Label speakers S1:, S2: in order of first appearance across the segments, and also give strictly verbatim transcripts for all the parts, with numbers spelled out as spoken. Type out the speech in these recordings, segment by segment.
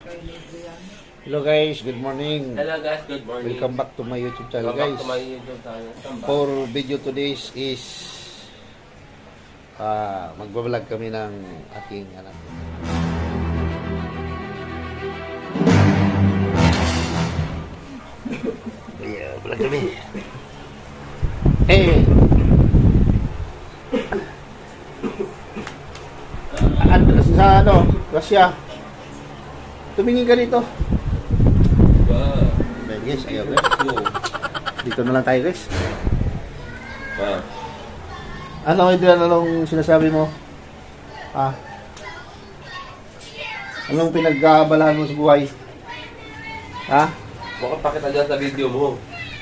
S1: Hello guys, good morning.
S2: Hello guys, good morning.
S1: Welcome back to my YouTube channel
S2: Welcome
S1: guys.
S2: back to my YouTube channel.
S1: For video today's is uh, magbablog kami ng aking anak. Yeah, vlog kami. Hey. Ano sa ano? Russia. Tumingin ka dito.
S2: Wow.
S1: Ayan guys, ayaw guys. Dito na lang tayo guys.
S2: Wow.
S1: Ano, Adrian, anong sinasabi mo? Ah? Anong pinag-aabalahan mo sa buhay? Ha?
S2: Bakit pakita dyan sa video mo?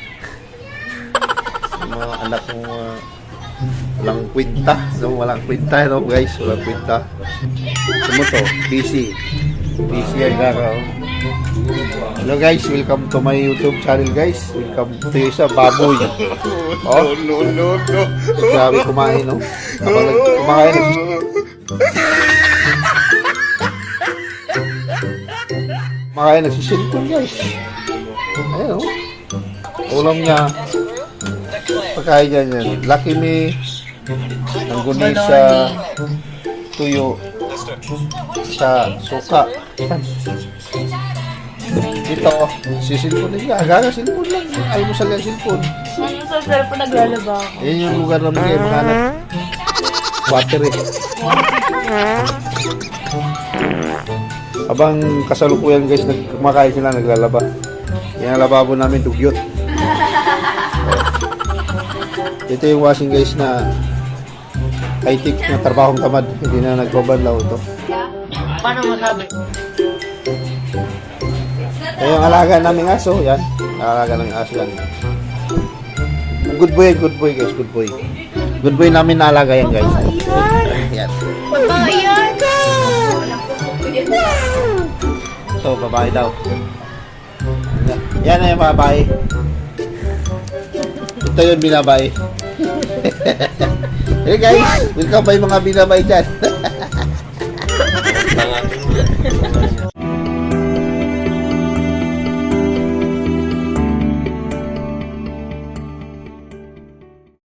S1: Yung mga anak mo, uh, walang kwenta. No? Walang kwenta, no guys? Walang kwenta. Ano mo to? Busy. Busy ang gagaw. Hello guys, welcome to my YouTube channel guys. Welcome to you sa baboy. Oh, no, no, no. Grabe kumain, no? Kapag kumakain, kumakain, nagsisilpon guys. Ayun, oh. Ulam niya. Pagkain niya yan. Lucky me. Nangguni sa tuyo. Sa suka. Yan. Dito, sisilpon niya. Agaga, silpon lang. Almusal yan, silpon.
S3: Ano sa cellphone naglalaba ako?
S1: Yan yung lugar namin kayo makahanap. Water eh. Habang kasalukuyan guys, kumakain sila, naglalaba. Yan ang lababo namin, dugyot. Ito yung washing guys na high-tech na trabahong tamad. Hindi na nagbabanlaw ito.
S3: Paano masabi?
S1: Ito yung alaga namin aso, yan. Alaga namin aso yan. Good boy, good boy guys, good boy. Good boy namin na alaga yan guys. Yan.
S3: Babayan ka!
S1: Ito, babae daw. Yan na yung babae. Ito yung binabae. Hey guys, welcome ba yung mga binabae dyan?
S2: Mga